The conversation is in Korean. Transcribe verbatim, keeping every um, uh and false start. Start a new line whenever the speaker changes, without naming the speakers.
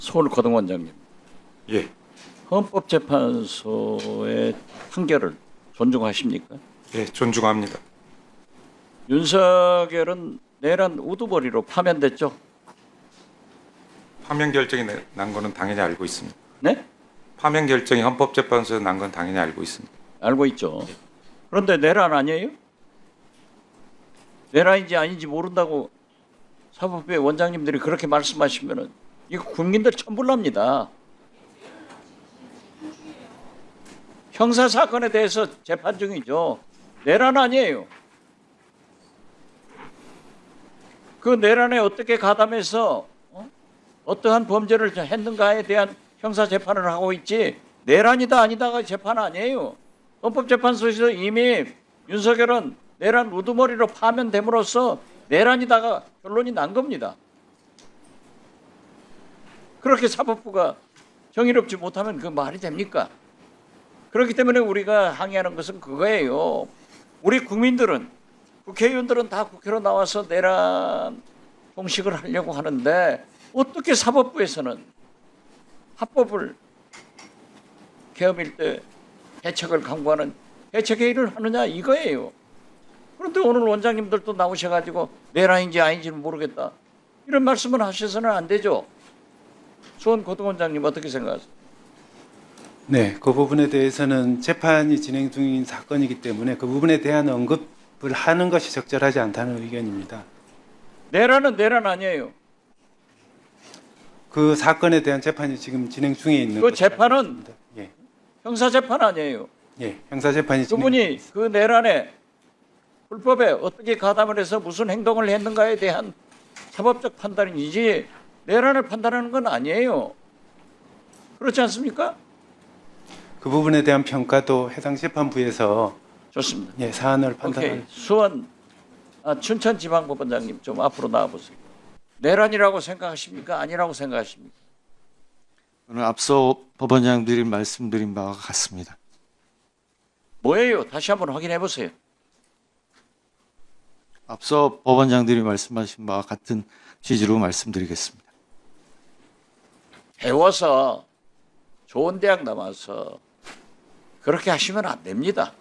서울 고등원장님,
예,
헌법재판소의 판결을 존중하십니까?
예, 존중합니다.
윤석열은 내란 우두머리로 파면됐죠?
파면 결정이 나- 난 거는 당연히 알고 있습니다.
네?
파면 결정이 헌법재판소에 난 건 당연히 알고 있습니다.
알고 있죠. 그런데 내란 아니에요? 내란인지 아닌지 모른다고 사법부의 원장님들이 그렇게 말씀하시면은 이거 국민들 천불납니다. 형사 사건에 대해서 재판 중이죠. 내란 아니에요. 그 내란에 어떻게 가담해서 어? 어떠한 범죄를 했는가에 대한 형사 재판을 하고 있지 내란이다 아니다가 재판 아니에요. 헌법재판소에서 이미 윤석열은 내란 우두머리로 파면됨으로써 내란이다가 결론이 난 겁니다. 그렇게 사법부가 정의롭지 못하면 그 말이 됩니까? 그렇기 때문에 우리가 항의하는 것은 그거예요. 우리 국민들은 국회의원들은 다 국회로 나와서 내란 공식을 하려고 하는데 어떻게 사법부에서는 합법을 계엄일 때 대책을 강구하는 대책회의를 하느냐 이거예요. 그런데 오늘 원장님들도 나오셔가지고 내란인지 아닌지는 모르겠다 이런 말씀을 하셔서는 안 되죠. 수원 고등원장님 어떻게 생각하세요?
네, 그 부분에 대해서는 재판이 진행 중인 사건이기 때문에 그 부분에 대한 언급을 하는 것이 적절하지 않다는 의견입니다.
내란은 내란 아니에요.
그 사건에 대한 재판이 지금 진행 중에 있는
그
것으로
재판은
알고 있습니다. 예,
형사재판 아니에요.
예, 형사 재판이 진행.
그분이 그 내란에 불법에 어떻게 가담을 해서 무슨 행동을 했는가에 대한 사법적 판단이지 내란을 판단하는 건 아니에요. 그렇지 않습니까?
그 부분에 대한 평가도 해당 재판부에서
좋습니다.
예, 사안을
오케이.
판단할.
수원 아, 춘천지방법원장님 좀 앞으로 나와보세요. 내란이라고 생각하십니까? 아니라고 생각하십니까?
저는 앞서 법원장들이 말씀드린 바와 같습니다.
뭐예요? 다시 한번 확인해 보세요.
앞서 법원장들이 말씀하신 바와 같은 취지로 말씀드리겠습니다.
배워서 좋은 대학 나와서 그렇게 하시면 안 됩니다.